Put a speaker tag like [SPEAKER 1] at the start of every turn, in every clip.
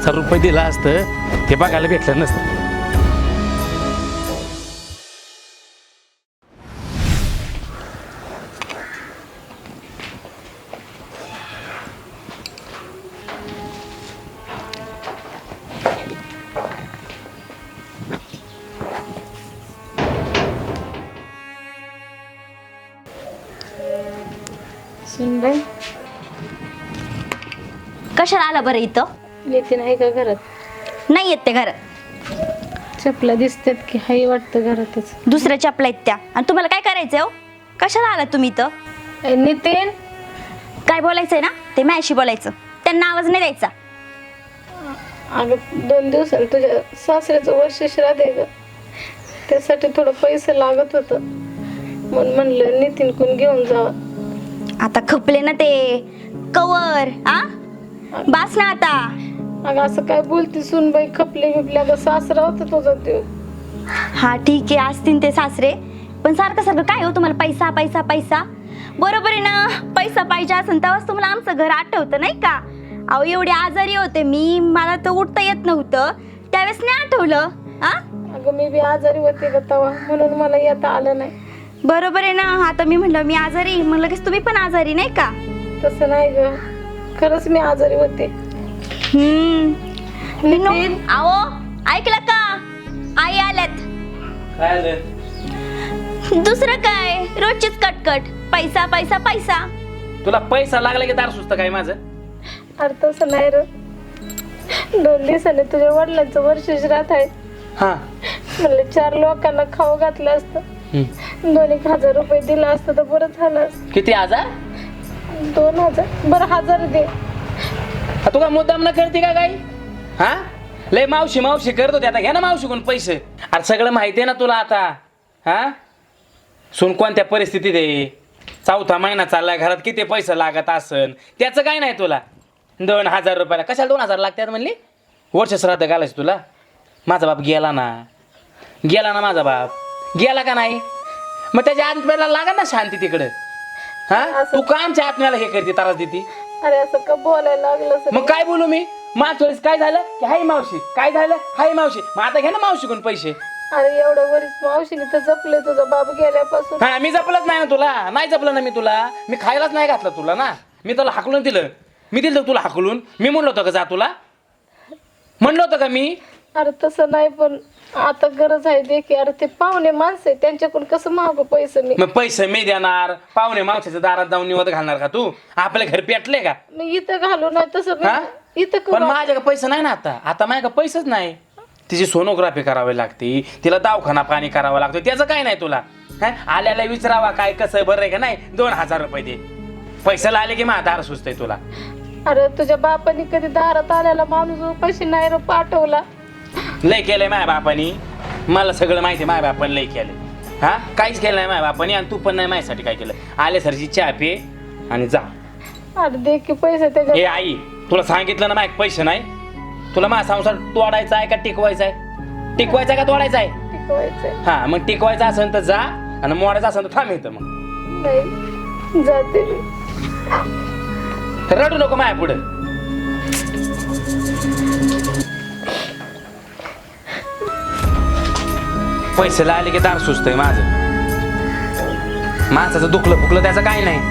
[SPEAKER 1] ₹5,000 दिला असतं ते बघायला भेटलं नसतं.
[SPEAKER 2] सुनबाई
[SPEAKER 3] कशाला आला बरं इथं?
[SPEAKER 2] नितीन आहे का घरात?
[SPEAKER 3] नाही येत ते घरात.
[SPEAKER 2] चपला दिसतात की हाय वाटतं घरातच.
[SPEAKER 3] दुसऱ्या चपला आहेत त्या. आणि तुम्हाला काय करायचंय हो? कशाला आला तुम्ही इथं?
[SPEAKER 2] नितीन
[SPEAKER 3] काय बोलायचंय ना ते माझ्याशी बोलायचं, त्यांना आवाज नाही द्यायचा.
[SPEAKER 2] अगं 2 दिवसांनी तुझ्या सासऱ्याचं वर्ष श्राद्ध आहे ग, त्यासाठी थोडं पैसे लागत होतं म्हणून म्हणलं नितीन कोण घेऊन जावं.
[SPEAKER 3] आता खपले ना ते कवर आ बास ना आता.
[SPEAKER 2] अगं असं काय बोलते सुनबाई, खपले बिपले. अगं सासरा होता तुझा ते.
[SPEAKER 3] हा ठीक आहे असतील ते सासरे, पण सारखं सारखं काय हो तुम्हाला पैसा पैसा पैसा. बरोबर आहे ना, पैसा पाहिजे असेल तेव्हाच तुम्हाला आमचं घर आठवतं नाही का? अहो एवढी आजारी होते मी, मला तर उठता येत नव्हतं, त्यावेळेस नाही आठवलं? आ
[SPEAKER 2] अगं मी बी आजारी होते ग तेव्हा, म्हणून मला येता आलं नाही.
[SPEAKER 3] बरोबर आहे ना. आता मी म्हणलं मी आजारी, मग लगेच तुम्ही पण आजारी नाही का?
[SPEAKER 2] तसं नाही ग, खरंच मी आजारी होते. नितीन
[SPEAKER 3] आओ ऐकलं का? आई आल्यात.
[SPEAKER 1] काय आलं?
[SPEAKER 3] दुसरं काय, रोजचीच कटकट, पैसा पैसा पैसा.
[SPEAKER 1] तुला पैसा लागला की दार सुचत काय माझं?
[SPEAKER 2] अरे तसं नाही र, 2 दिवसाने तुझ्या वडिलांचं वर्ष श्राद्ध आहे.
[SPEAKER 1] हा
[SPEAKER 2] म्हणलं 4 लोकांना खाऊ घातलं असतं, 2,000 रुपये दिला असतं तर बरं झालं असतं.
[SPEAKER 1] किती हजार?
[SPEAKER 2] 2,000 बरं 1,000 दे.
[SPEAKER 1] तू काय मुद्दाम न करते का काही? हा लय मावशी मावशी करत होती, आता घ्या ना मावशीकडून पैसे. अरे सगळं माहिती आहे ना तुला आता. हा सुन कोणत्या परिस्थितीत आहे, 4था महिना चाललाय, घरात किती पैसे लागत असन, त्याचं काय नाही तुला. 2,000 रुपयाला कशाला 2,000 लागतात म्हणली? वर्ष श्राद्ध घालायचं तुला? माझा बाप गेला ना, गेला ना माझा बाप, गेला का नाही? मग त्याच्या आत्म्याला लागा ना शांती तिकडं. हा तू का आमच्या आत्म्याला हे करते, त्रास देते?
[SPEAKER 2] अरे असं का बोलायला लागलं सर?
[SPEAKER 1] मग काय बोलू मी? मागच्या वेळेस काय झालं की हाय मावशी, काय झालं हाय मावशी, मग आता घ्या ना मावशीकडून पैसे.
[SPEAKER 2] अरे एवढं वरीस मावशीने तर जपले तुझा बाप गेल्यापासून.
[SPEAKER 1] हा मी जपलंच नाही ना तुला, नाही जपलं ना मी तुला, मी खायलाच नाही घातलं तुला ना, मी तुला हाकलून दिलं, मी दिलं तुला हाकलून. मी म्हणलो होतं का जा तुला? म्हणलं होतं का मी?
[SPEAKER 2] अरे तसं नाही, पण आता गरज आहे दे की. अरे ते पाहुणे माणसं आहे, त्यांच्याकडून कसं मागू पैसे मी?
[SPEAKER 1] मग पैसे मी देणार, पाहुणे मावशीच्या दारात जाऊन निवत घालणार का तू? आपल्या घर पेटले का?
[SPEAKER 2] मी इथं घालू नाही तसं
[SPEAKER 1] हा?
[SPEAKER 2] मी इथं
[SPEAKER 1] पण
[SPEAKER 2] करू.
[SPEAKER 1] माझ्याकडे पैसे नाही ना आता माझ्याकडे पैसेच नाही. तिची सोनोग्राफी करावी लागते, तिला दवाखाना पाणी करावं लागतं, त्याचं काय नाही तुला? हा आल्याला विचारावा काय कसं बरं आहे का नाही, 2,000 रुपये दे. पैशाला आले की माझा दार सुचतंय तुला.
[SPEAKER 2] अरे तुझ्या बापाने कधी दारात आल्याला माणूस पैसे नाही रे पाठवला.
[SPEAKER 1] लय केलंय माझ्या बापानी, मला सगळं माहिती आहे माझ्या बापाने लय केलंय. हा काहीच केलं नाही माझ्या बापानी, आणि तू पण नाही माझ्यासाठी काय केलं. आले सरची चहा पे आणि जा.
[SPEAKER 2] अरे दे की पैसे त्याच्या.
[SPEAKER 1] हे आई तुला सांगितलं ना माझ्याकडे पैसे नाही. तुला माझा संसार तोडायचा आहे का टिकवायचा आहे? टिकवायचा आहे का तोडायचा आहे?
[SPEAKER 2] टिकवायचंय.
[SPEAKER 1] हा मग टिकवायचा असेल तर जा, आणि मोडायचा असेल तर थांब येतं. मग
[SPEAKER 2] नाही जाते मी.
[SPEAKER 1] रडू नको माझ्या पुढे. पैसे आले की दार सुचतंय माझं. माणसाचं दुखलं फुकलं त्याचं काही नाही.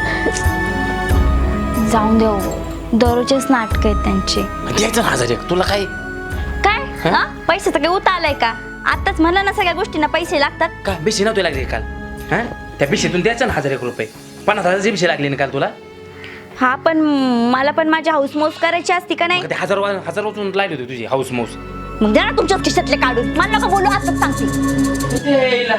[SPEAKER 3] जाऊन देऊ, दररोजच नाटक आहेत त्यांचे.
[SPEAKER 1] द्यायचं ना 1,000 तुला काय?
[SPEAKER 3] काय हा पैशाचं काही उता आलाय का? आताच म्हणलं ना सगळ्या गोष्टींना पैसे लागतात.
[SPEAKER 1] का बिशी नव्हती लागली काल? हा त्या बिशीतून द्यायचं ना 1,000 रुपये. 50,000ची बिशी लागली ना काल तुला?
[SPEAKER 3] हा पण मला पण माझी हाऊस मौस करायची असती का नाही?
[SPEAKER 1] ते 1,000 वाचून लागली होती तुझी हाऊस मौस.
[SPEAKER 3] मग द्या ना तुमच्याच खिशातले काढून, मला नका बोलू असंच सांगते.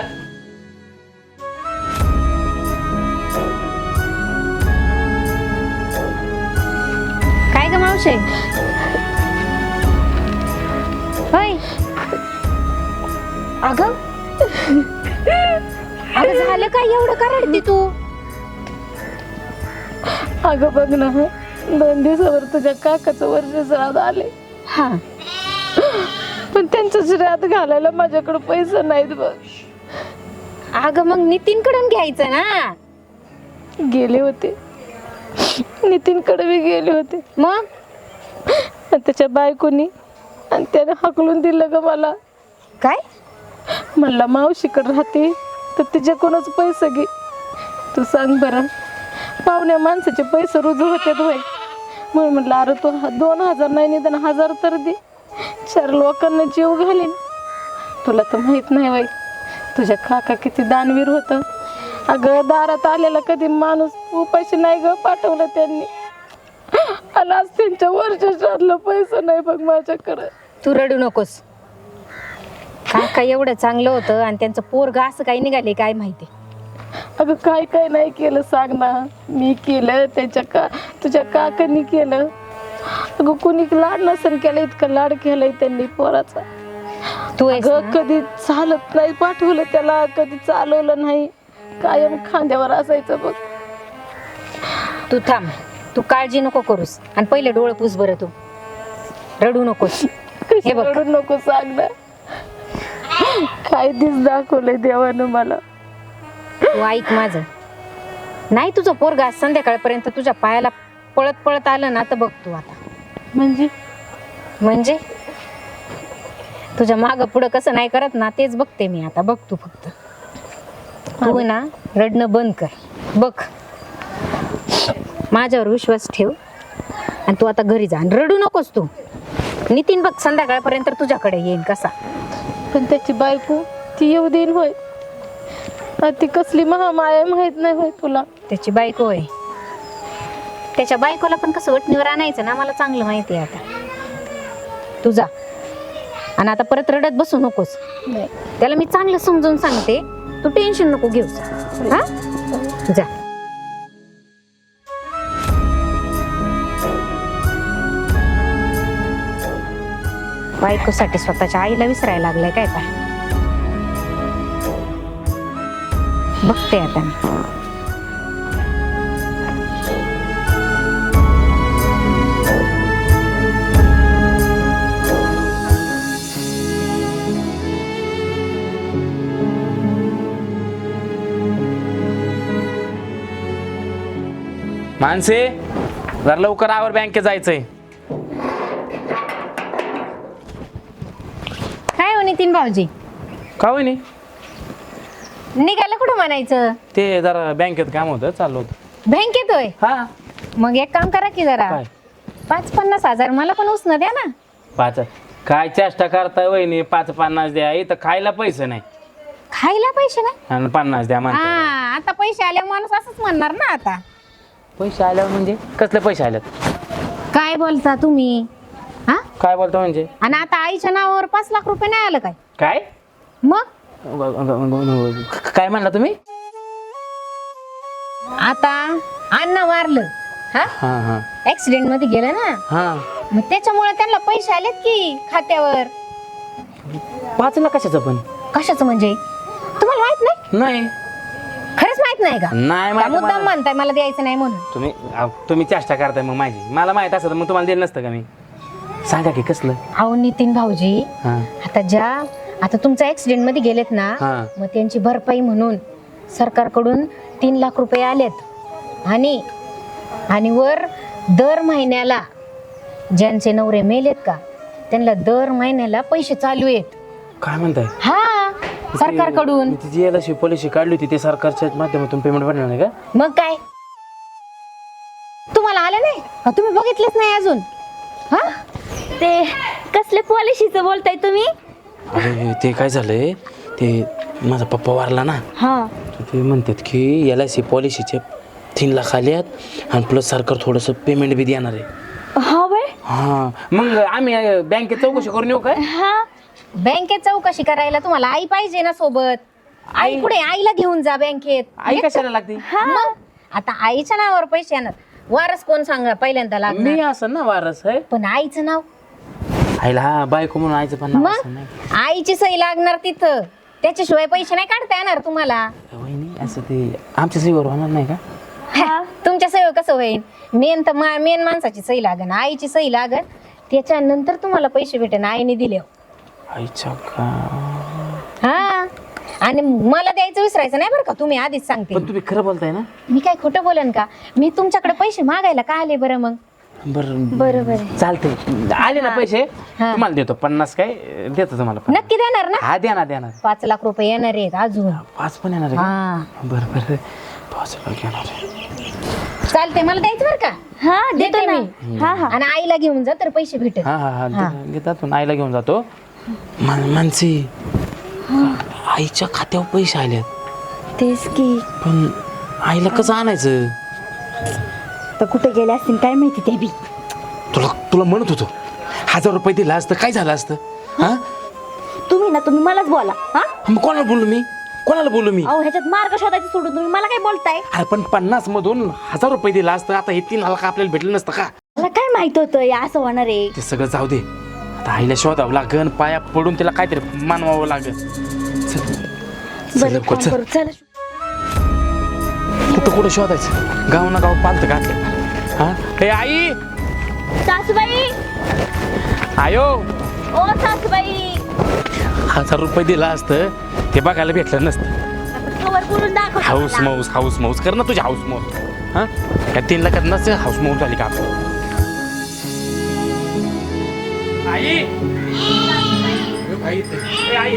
[SPEAKER 3] काय ग मावशे? होय अगं अगं झालं काय एवढं का रडते तू?
[SPEAKER 2] अगं बघ ना, 2 दिवसावर तुझ्या काकाचं वर्ष श्राद्ध आले.
[SPEAKER 3] हा
[SPEAKER 2] पण त्यांचं श्राद्ध घालायला माझ्याकडे पैसे नाहीत बघ.
[SPEAKER 3] अगं मग नितीनकडून घ्यायचं ना.
[SPEAKER 2] गेले होते, नितीनकडे बी गेले होते.
[SPEAKER 3] मग
[SPEAKER 2] आणि त्याच्या बायकोनी आणि त्याने हाकलून दिलं ग मला.
[SPEAKER 4] काय?
[SPEAKER 2] म्हणला मावशीकडे राहते तर तिच्याकडूनच पैसे घे. तू सांग बरं, पाहुण्या माणसाचे पैसे रुजू होते होय. म्हणून म्हटलं अरे तू 2000 नाही निदान 1000 तर दे, 4 लोकांना जीव घालीन. तुला तर माहित नाही बाई तुझ्या काका किती दानवीर होतं. अगं दारात आलेला कधी माणूस उपाशी नाही ग पाठवलं त्यांनी. आणि आज त्यांच्या वर्षातलं पैसा नाही बघ माझ्याकडं.
[SPEAKER 4] तू रडू नकोस. काका एवढं चांगलं होतं आणि त्यांचं पोरग असं काही निघाले काय माहिती.
[SPEAKER 2] अगं काय काय नाही केलं सांग ना. मी केलं तुझ्या काकांनी केलं. अगं कुणी लाड नसेल केलं, इतकं लाड केलंय त्यांनी पोराचा.
[SPEAKER 4] तू आहेस
[SPEAKER 2] अगं
[SPEAKER 4] ना?
[SPEAKER 2] कधी चालत नाही पाठवलं त्याला, कधी चालवलं नाही, कायम खांद्यावर असायचं बघ.
[SPEAKER 4] तू थांब, तू काळजी नको करूस आणि पहिले डोळे पुस बरं. तू रडू नकोस. हे बघ,
[SPEAKER 2] रडू नको सांग ना. काय दिस दाखवलंय देवानं मला.
[SPEAKER 4] तू ऐक माझं. नाही तुझं पोरग आज संध्याकाळपर्यंत तुझ्या पायाला पळत पळत आलं ना तर बघ तू आता. म्हणजे तुझ्या माग पुढं कसं नाही करत ना तेच बघते मी आता. बघ तू फक्त तू ना रडणं बंद कर. बघ माझ्यावर विश्वास ठेव आणि तू आता घरी जा आणि रडू नकोस तू. नितीन बघ संध्याकाळपर्यंत तुझ्याकडे येईल कसा.
[SPEAKER 2] पण त्याची बायको ती येऊ देईन होय. ती कसली महामाया माहित नाही होय तुला.
[SPEAKER 4] त्याची बायको आहे. त्याच्या बायकोला पण कसं वटणीवर आणायचं ना मला चांगलं माहिती आहे आता. तू जा आणि आता परत रडत बसू नकोस.
[SPEAKER 2] नाही
[SPEAKER 4] त्याला मी चांगलं समजून सांगते. तू टेन्शन नको घेऊस. हा जा. बायकोसाठी स्वतःच्या आईला विसरायला लागलाय काय काय. बघते आता मी.
[SPEAKER 1] माणसे जरा लवकर आवर, बँकेत जायचंय.
[SPEAKER 4] काय हो नितीन भाऊजी,
[SPEAKER 1] का होय नाही?
[SPEAKER 4] निघालं कुठं म्हणायचं?
[SPEAKER 1] ते जरा बँकेत काम होतं, चाललो होतं.
[SPEAKER 4] बँकेत होय?
[SPEAKER 1] हा.
[SPEAKER 4] मग एक काम करा की जरा
[SPEAKER 1] काय?
[SPEAKER 4] 5-50 हजार मला पण उसनं द्या ना.
[SPEAKER 1] 5 काय चेष्टा करताय वहिनी? 5-50 द्या, इथं खायला पैसे नाही
[SPEAKER 4] खायला पैसे नाही.
[SPEAKER 1] आणि 50 द्या म्हणते.
[SPEAKER 4] हा आता पैसे आले माणूस असंच म्हणणार ना. आता
[SPEAKER 1] पैसे आल्यावर म्हणजे कसले पैसे आल्यात?
[SPEAKER 4] काय बोलता तुम्ही? हा
[SPEAKER 1] काय बोलतो म्हणजे?
[SPEAKER 4] आणि आता आईच्या नावावर 5 लाख रुपये नाही आलं काय?
[SPEAKER 1] काय
[SPEAKER 4] मग
[SPEAKER 1] काय म्हणला तुम्ही?
[SPEAKER 4] आता अण्णा वारलं. हा
[SPEAKER 1] हा हा
[SPEAKER 4] ऍक्सिडेंट मध्ये गेलं ना,
[SPEAKER 1] हा.
[SPEAKER 4] मग त्याच्यामुळे त्यांना पैसे आलेत की खात्यावर.
[SPEAKER 1] 5 लाख कशाचं पण?
[SPEAKER 4] कशाचं म्हणजे तुम्हाला माहित नाही?
[SPEAKER 1] नाही.
[SPEAKER 4] खरंच माहित नाही का?
[SPEAKER 1] नाही
[SPEAKER 4] का
[SPEAKER 1] माहिती
[SPEAKER 4] मुद्दाम
[SPEAKER 1] मला.
[SPEAKER 4] म्हणताय मला द्यायचं नाही म्हणून?
[SPEAKER 1] तुम्ही चेष्टा करताय मग माझी. मला माहित असतं मग तुम्हाला दिलं नसतं का मी. सांगा की कसलं?
[SPEAKER 4] अहो नितीन भाऊजी,
[SPEAKER 1] हा
[SPEAKER 4] आता तुमचा ऍक्सिडेंट मध्ये गेलेत ना,
[SPEAKER 1] हा.
[SPEAKER 4] मग त्यांची भरपाई म्हणून सरकारकडून 3 लाख रुपये आलेत. आणि वर दर महिन्याला ज्यांचे नवरे मेलेत का त्यांना दर महिन्याला पैसे चालू आहेत.
[SPEAKER 1] काय म्हणताय?
[SPEAKER 4] हा सरकारकडून.
[SPEAKER 1] ती जी LIC पॉलिसी काढली होती ते सरकारच्या माध्यमातून पेमेंट भरणार नाही का?
[SPEAKER 4] मग काय तुम्हाला आलं नाही का? तुम्ही बघितलंच नाही अजून? हा
[SPEAKER 3] ते कसले पॉलिसीचं बोलताय तुम्ही?
[SPEAKER 1] अरे ते काय झालंय, ते माझा पप्पा वारला ना,
[SPEAKER 3] हा
[SPEAKER 1] ते म्हणतात की LIC पॉलिसीचे 3 लाख आले आहेत आणि प्लस सरकार थोडंसं पेमेंट बी देणार आहे.
[SPEAKER 3] हा बाय.
[SPEAKER 1] हा मग आम्ही बँकेत चौकशी करून येऊ काय?
[SPEAKER 3] हा
[SPEAKER 4] बँकेत चौकशी करायला तुम्हाला आई पाहिजे ना सोबत. आई पुढे आईला घेऊन जा बँकेत.
[SPEAKER 1] आई कशाला लागते?
[SPEAKER 4] मग आता आईच्या नावावर पैसे येणार. वारस कोण सांगा पहिल्यांदा
[SPEAKER 1] मी
[SPEAKER 4] लागणार?
[SPEAKER 1] असं ना वारस आहे
[SPEAKER 4] पण आईचं नाव
[SPEAKER 1] आईला. हा बायको म्हणून आईचं पण नाव असं नाही.
[SPEAKER 4] मग आईची सही लागणार तिथं. त्याच्याशिवाय पैसे नाही काढता येणार तुम्हाला.
[SPEAKER 1] वहिनी असं ते आमच्या सहीवर होणार नाही का?
[SPEAKER 4] तुमच्या सही कसं होईल? मेन माणसाची सही लागन, आईची सही लागन, त्याच्यानंतर तुम्हाला पैसे भेटेन आईने दिले.
[SPEAKER 1] आईच्या का?
[SPEAKER 4] हा आणि मला द्यायचं विसरायचं नाही बरं का. तुम्ही आधीच सांगते.
[SPEAKER 1] पण तुम्ही खरं बोलताय ना?
[SPEAKER 4] मी काय खोटं बोलेन का? मी तुमच्याकडे पैसे मागायला का आले बरं? मग
[SPEAKER 1] बरं
[SPEAKER 3] बरोबर आहे.
[SPEAKER 1] चालते आले ना पैसे
[SPEAKER 4] हा.
[SPEAKER 1] तुम्हाला देतो 50 काय देतो तुम्हाला
[SPEAKER 4] नक्की देणार ना?
[SPEAKER 1] हा द्या ना
[SPEAKER 4] 5 लाख रुपये येणार आहेत अजून.
[SPEAKER 1] 5 पण येणार आहे का?
[SPEAKER 4] हा
[SPEAKER 1] बरं बरं 5 लाख येणार आहे.
[SPEAKER 4] चालते, मला द्यायचं बरं का?
[SPEAKER 3] हा देतो
[SPEAKER 4] देते
[SPEAKER 3] ना.
[SPEAKER 4] मी.
[SPEAKER 3] हा हा
[SPEAKER 4] आणि आईला घेऊन जा तर पैसे भेटेल.
[SPEAKER 1] हा हा हा घेतात पण आईला घेऊन जातो मानसी आईच्या खात्यावर पैसे आलेत
[SPEAKER 3] तेच की.
[SPEAKER 1] पण आईला कसं आणायचं
[SPEAKER 3] तर कुठे गेले असतील काय माहिती ते बी.
[SPEAKER 1] तुला तुला म्हणत होतो 1000 रुपये दिला असतं काय झालं असतं हा
[SPEAKER 3] तुम्ही मलाच बोला. हा
[SPEAKER 1] मग कोणाला बोलू मी
[SPEAKER 3] अहो ह्याच्यात मार्ग शोधायचे सोडून तुम्ही मला काय बोलताय?
[SPEAKER 1] अरे पण 50 मधून 1000 रुपये दिला असतं आता हे 3 लाख आपल्याला भेटलं नसतं का
[SPEAKER 3] मला काय माहित होतं या असं होणार आहे.
[SPEAKER 1] ते सगळं जाऊ दे आता आईला शोधावं लागन पाया पडून तिला काहीतरी मानवावं लागन चल
[SPEAKER 3] बरं
[SPEAKER 1] लवकर,
[SPEAKER 3] काम
[SPEAKER 1] चल.
[SPEAKER 3] करू चला.
[SPEAKER 1] कुठं कुठं शोधायचं गाव ना गाव पालतं घातलं हा हे आई
[SPEAKER 3] सासूबाई
[SPEAKER 1] आयो
[SPEAKER 3] ओ सासूबाई
[SPEAKER 1] 1000 रुपये दिला असतं ते बघायला भेटलं नसतं
[SPEAKER 3] कवर करून दाखव.
[SPEAKER 1] हाऊस माऊस कर ना तुझी हाऊस माऊस हा या 3 लाखात नसतं हाऊस माऊस झाली का आपली आई आई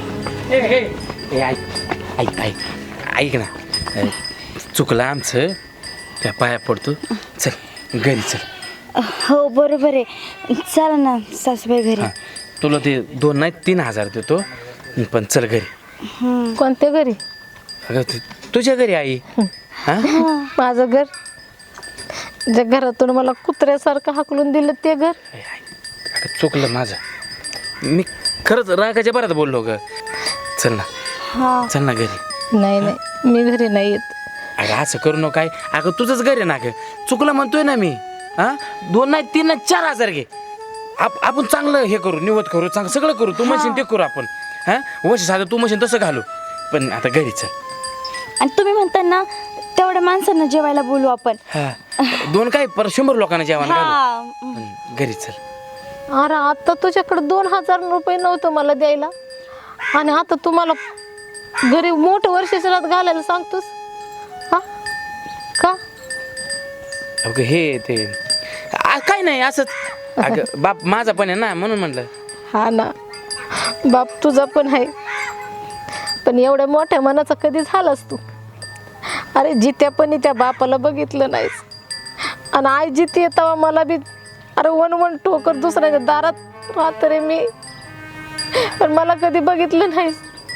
[SPEAKER 1] ऐक ना चुकलं आमचं त्या पाया पडतो चल घरी चल
[SPEAKER 3] हो बरोबर आहे. चला ना सासूबाई घरी.
[SPEAKER 1] हा तुला ते 2 नाही 3,000 देतो पण चल घरी
[SPEAKER 2] कोणत्या घरी?
[SPEAKER 1] अगं तुझ्या घरी आई हा
[SPEAKER 2] माझं घर, ज्या घरातून मला कुत्र्यासारखं हाकलून दिलं ते घर.
[SPEAKER 1] अगं चुकलं माझं मी खरंच रागाच्या बरात बोललो ग चल ना
[SPEAKER 3] हा
[SPEAKER 1] चल ना घरी
[SPEAKER 2] नाही नाही, मी घरी नाही येत.
[SPEAKER 1] अगं असं करू नको काय अगं तुझंच घर आहे ना ग चुकलं म्हणतोय ना मी हा 2 नाही 3 नाही 4,000 घे आपण चांगलं हे करू निवत करू चांगलं सगळं करू तू म्हणशील ते करू आपण हा वर्ष साधं तू म्हणशील तसं घालू पण आता घरी चल
[SPEAKER 3] आणि तुम्ही म्हणता ना तेवढ्या माणसांना जेवायला बोलू आपण.
[SPEAKER 1] हा 2 काय पर 100 लोकांना जेवण घालू
[SPEAKER 3] हा
[SPEAKER 1] पण घरी चल
[SPEAKER 2] अरे आता तुझ्याकडे 2,000 रुपये नव्हतं मला द्यायला आणि आता तुम्हाला घरी मोठं वर्षाच्या घालायला सांगतोस हा का?
[SPEAKER 1] अगं हे ते काय नाही असंच अगं बाप माझा पण आहे ना म्हणून म्हणलं
[SPEAKER 2] हा ना बाप तुझा पण आहे पण एवढ्या मोठ्या मनाचा कधी झालास तू? अरे जित्यापणी त्या बापाला बघितलं नाहीस आणि आई जिथे तेव्हा मला बी अरे वन टोकर दुसऱ्याच्या दारात राहत रे मी पण मला कधी बघितलं नाहीस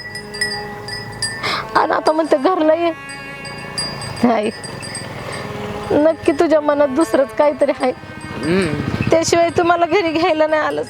[SPEAKER 2] आणि आता म्हणते घरला ये नाही नक्की तुझ्या मनात दुसरंच काहीतरी आहे त्याशिवाय तुम्हाला घरी घ्यायला नाही आलंस.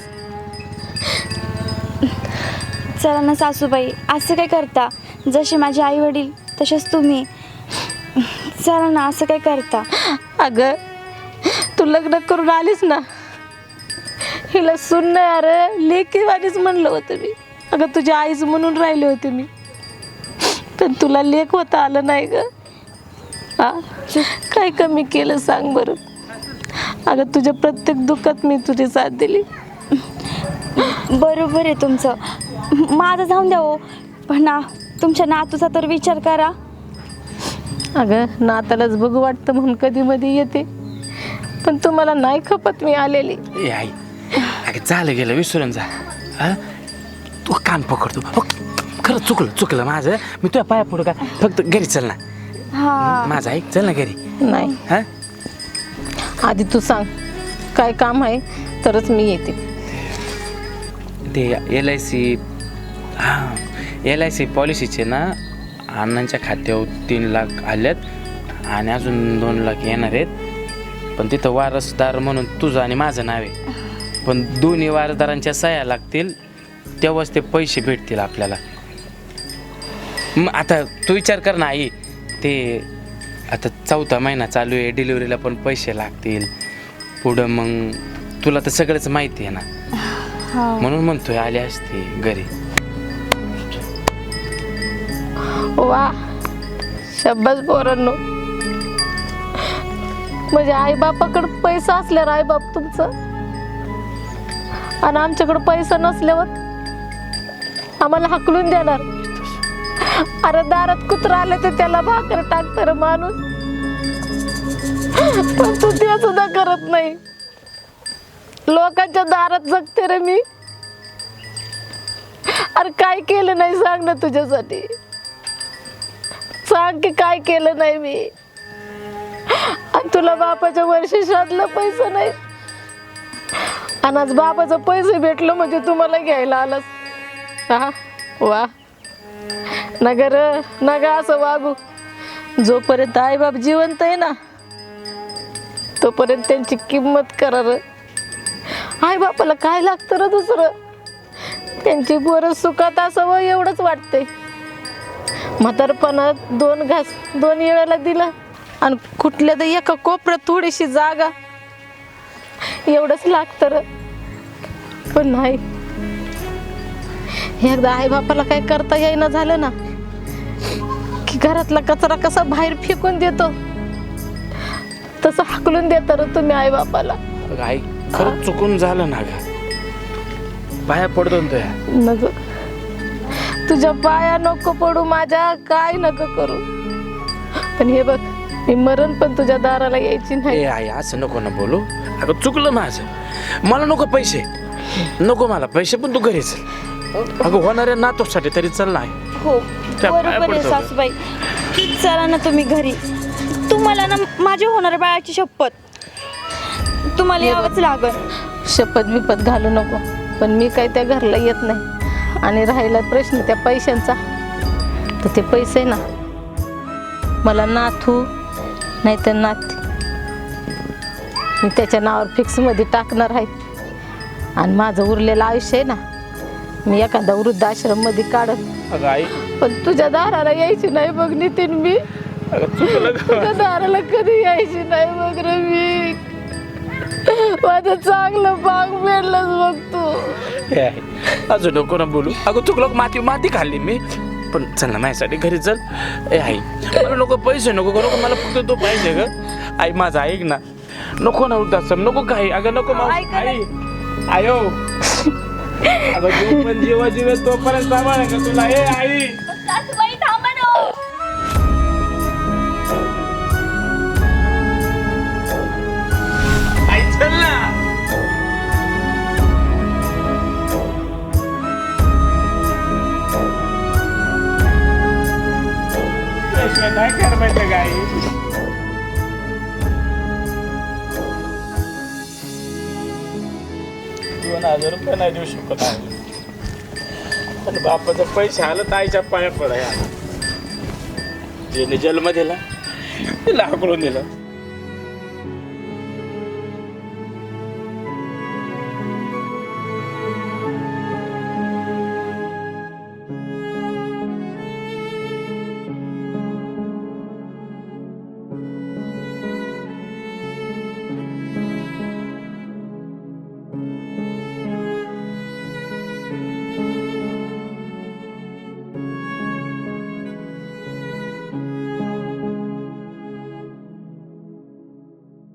[SPEAKER 3] चला ना सासूबाई असं काय करता जसे माझे आई वडील तसेच तुम्ही. चला ना असं काय करता.
[SPEAKER 2] अगं तू लग्न करून आलीस ना हिला सून नाही अरे लेकीवानीच म्हणलं होतं मी. अगं तुझ्या आईच म्हणून राहिले होते मी पण तुला लेक होता आलं नाही ग. हा काय कमी केलं सांग बरं. अगं तुझ्या प्रत्येक दुःखात मी तुझी साथ दिली.
[SPEAKER 3] बरोबर आहे तुमचं. माझं जाऊन द्या हो पण ना तुमच्या नातूचा तर विचार करा.
[SPEAKER 2] अगं नातालाच बघू वाटतं म्हणून कधी मध्ये येते पण तुम्हाला नाही खपत मी आलेली.
[SPEAKER 1] ए आई अगं झालं गेलं विसरून जा हा तू कान पकडतो हो, खरं चुकलं माझं मी तुझ्या पाया पडू का फक्त घरी चल ना
[SPEAKER 3] हा
[SPEAKER 1] माझं ऐक चल ना घरी
[SPEAKER 2] नाही
[SPEAKER 1] हा
[SPEAKER 2] आधी तू सांग काय काम आहे तरच मी येते.
[SPEAKER 1] ते LIC हां LIC पॉलिसीचे ना अण्णांच्या खात्यावर 3 लाख आल्यात आणि अजून 2 लाख येणार आहेत पण तिथं वारसदार म्हणून तुझं आणि माझं नाव आहे पण दोन्ही वारसदारांच्या सह्या लागतील तेव्हाच ते पैसे भेटतील आपल्याला. मग आता तू विचार कर ना आई ते आता 4था महिना चालू आहे डिलिव्हरीला पण पैसे लागतील पुढं मग तुला तर सगळंच माहिती आहे ना म्हणून म्हणतोय आले असते घरी.
[SPEAKER 2] वा शब्बास पोरांनो म्हणजे आई बापाकडे पैसा असल्यावर आई बाप तुमचं आणि आमच्याकडे पैसा नसल्यावर आम्हाला हाकलून देणार. अरे दारात कुत्रा आलं तर त्याला भाकर टाकणार माणूस पण तू ते सुद्धा करत नाही. लोकांच्या दारात जगते रे मी. अरे काय केलं नाही सांग ना तुझ्यासाठी. सांग की काय केलं नाही मी. आणि तुला बापाच्या वर्षाला पैसा नाही आणि आज बापाचं पैसे भेटलं म्हणजे तुम्हाला घ्यायला आलास. हा वा नगर नगा असं वागू. जोपर्यंत आई बाप जिवंत आहे ना तोपर्यंत त्यांची किंमत करा र. आई बापाला काय लागतं र दुसरं. त्यांची पोरं सुखात असावं एवढंच वाटतंय. म्हातारपणात 2 घास 2 वेळेला दिलं आणि कुठल्या तरी एका कोपऱ्यात थोडीशी जागा एवढंच लागतं र. पण नाही एकदा आई बापाला काय करता येईना झालं ना की घरातला कचरा कसा बाहेर फेकून देतो तसं हाकलून देता र तुम्ही आई बापाला.
[SPEAKER 1] अगं आई खरंच चुकून झालं ना ग. पाया पडतो ना तुया.
[SPEAKER 2] नको तुझ्या पाया नको पडू माझ्या. काय नको करू. पण हे बघ मी मरण पण तुझ्या दाराला यायची नाही.
[SPEAKER 1] ए आई असं नको ना बोलू. अगं चुकलं माझं. मला नको पैसे. नको मला पैसे पण तू घरी चल. अगं होणाऱ्या नातूसाठी तरी चल नाही.
[SPEAKER 3] हो
[SPEAKER 1] त्या पाया
[SPEAKER 3] बरोबर आहे
[SPEAKER 1] पडतो.
[SPEAKER 3] सासूबाई. चला ना तुम्ही घरी. तुम्हाला ना माझ्या होणाऱ्या बाळाची शपथ तुम्हाला यावंच लागल.
[SPEAKER 2] शपथ बिपत घालू नको. पण मी काय त्या घरला येत नाही. आणि राहिला प्रश्न त्या पैशांचा तर ते पैसे ना मला नाथू नाही तर नाती मी त्याच्या नावावर फिक्समध्ये टाकणार आहे. आणि माझं उरलेलं आयुष्य आहे ना मी एखादा वृद्धाश्रममध्ये काढत.
[SPEAKER 1] अगं आई
[SPEAKER 2] पण तुझ्या दाराला यायची नाही बघ नितीन मी.
[SPEAKER 1] अगं चुकलं ग.
[SPEAKER 2] तुझ्या दाराला कधी यायची नाही बघ रे मी. माझं चांगलं बाग भेटलंच बघ तू.
[SPEAKER 1] ए आई अजून नको ना बोलू. अगं चुकलं माती माती खाल्ली मी. पण चल ना माझ्यासाठी घरी चल. ए आई मला नको पैसे नको नको मला फक्त तू पाहिजे ग. आई माझं ऐक ना. नको ना वृद्धाश्रम नको काही. अगं नको
[SPEAKER 3] ऐक ना.
[SPEAKER 1] आई आयो अगं तू पण जेव्हा जीव तोपर्यंत सांभाळ का तुला. ए आई
[SPEAKER 3] सासूबाई थांबा ना.
[SPEAKER 1] आई चल ना. पैसे नाही कर पाहिजे गाई. 2,000 रुपये नाही देऊ शकत आहे. पण बापाचं पैसे आलं तर आईच्या पाया पडाय. जेने जन्म दिला तिला हाकलून दिलं.